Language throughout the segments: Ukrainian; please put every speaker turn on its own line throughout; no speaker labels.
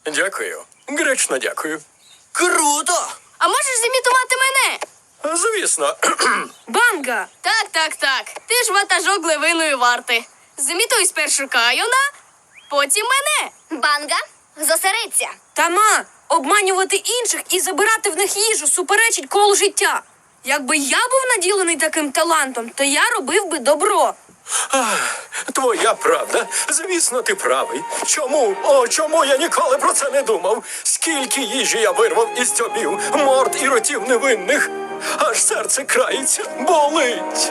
Дякую. Гречно дякую.
Круто!
А можеш зімітувати мене?
Звісно.
Банга!
Так. Ти ж ватажок левиної варти. Зімітуй спершу Кайона, потім мене.
Банга, зосередься.
Тама! Обманювати інших і забирати в них їжу суперечить колу життя. Якби я був наділений таким талантом, то я робив би добро.
Твоя правда. Звісно, ти правий. Чому я ніколи про це не думав? Скільки їжі я вирвав із дзьобів, морд і ротів невинних. Аж серце крається, болить.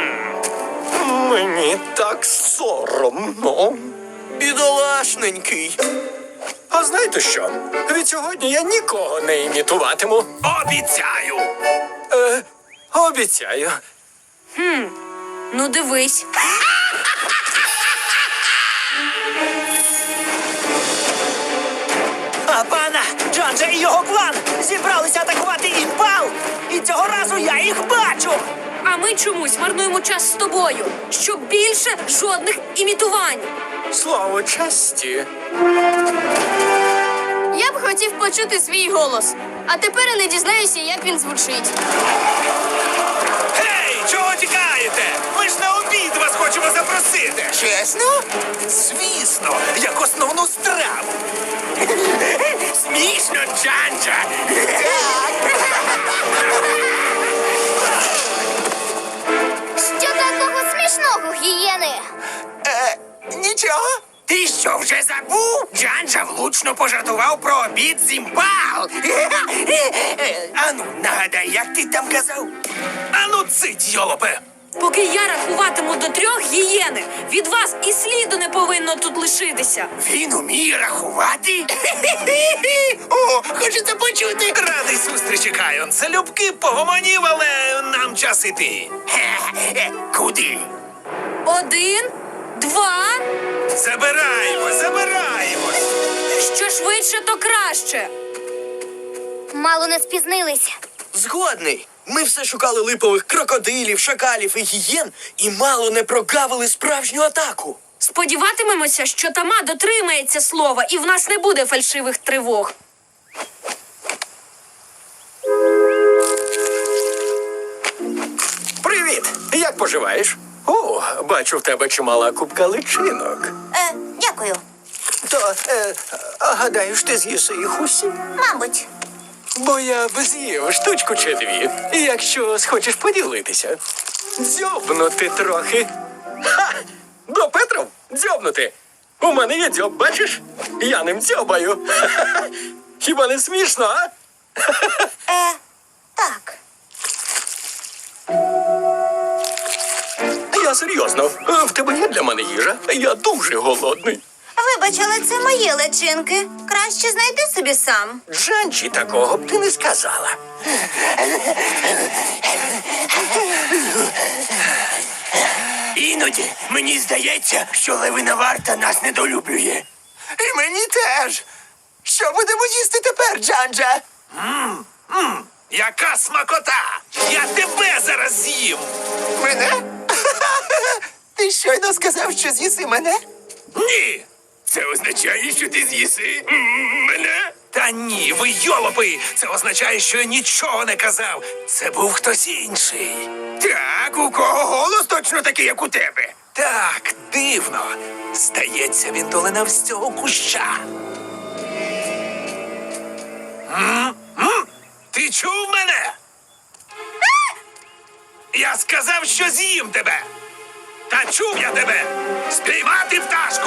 Мені так соромно.
Бідолашненький.
А знаєте що? Від сьогодні я нікого не імітуватиму.
Обіцяю!
Обіцяю.
Ну дивись.
А пана Джанджа і його клан зібралися атакувати імпал. І цього разу я їх бачу.
А ми чомусь марнуємо час з тобою, щоб більше жодних імітувань.
Слово честі.
Я б хотів почути свій голос, а тепер я не дізнаюся, як він звучить.
Гей, чого тікаєте? Ми ж на обід вас хочемо запросити.
Чесно?
Звісно, як основну страву. Смішно, Джанджа.
Що такого смішного, гієни?
Нічого.
Ти що, вже забув? Джанджа влучно пожартував про обід з імпал. Ану, нагадай, як ти там казав? Ану, цить, йолопе.
Поки я рахуватиму до 3 гієни, від вас і сліду не повинно тут лишитися.
Він уміє рахувати? О, хочеться почути. Радий зустрічі, Кайон. Залюбки погомонів, але нам час іти. Куди?
1, 2.
Забираємось.
Що швидше, то краще.
Мало не спізнилися.
Згодний. Ми все шукали липових крокодилів, шакалів і гієн і мало не прогавили справжню атаку.
Сподіватимемося, що Тама дотримається слова і в нас не буде фальшивих тривог.
Привіт! Як поживаєш? О, бачу в тебе чимала купка личинок.
Дякую.
То, гадаєш, ти з'їси їх усі?
Мабуть.
Бо я б з'їв штучку чи 2, якщо схочеш поділитися. Дзьобнути трохи. Ха! До Петров дзьобнути. У мене є дзьоб, бачиш? Я ним дзьобаю. Ха-ха-ха. Хіба не смішно, а?
Так.
Я серйозно. В тебе є для мене їжа? Я дуже голодний.
Вибач, але це мої личинки. Краще знайди собі сам.
Джанчі такого б ти не сказала.
Іноді мені здається, що левина варта нас недолюблює.
І мені теж. Що будемо їсти тепер, Джанджа?
Яка смакота! Я тебе зараз з'їм!
Мене? Ти щойно сказав, що з'їси мене?
Ні! Це означає, що ти з'їси мене? Та ні, ви йолопи! Це означає, що я нічого не казав. Це був хтось інший. Так, у кого голос точно такий, як у тебе? Так, дивно. Здається, він долинав з цього куща. Ти чув мене? Я сказав, що з'їм тебе. Та чув я тебе! Спіймати пташку!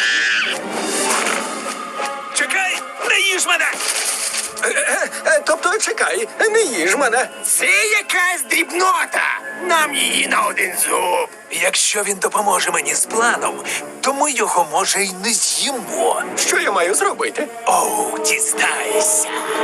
Чекай, не їж мене!
Тобто, чекай, не їж мене.
Це якась дрібнота! Нам її на один зуб! Якщо він допоможе мені з планом, то ми його, може, й не з'їмо.
Що я маю зробити?
Оу, дізнайся!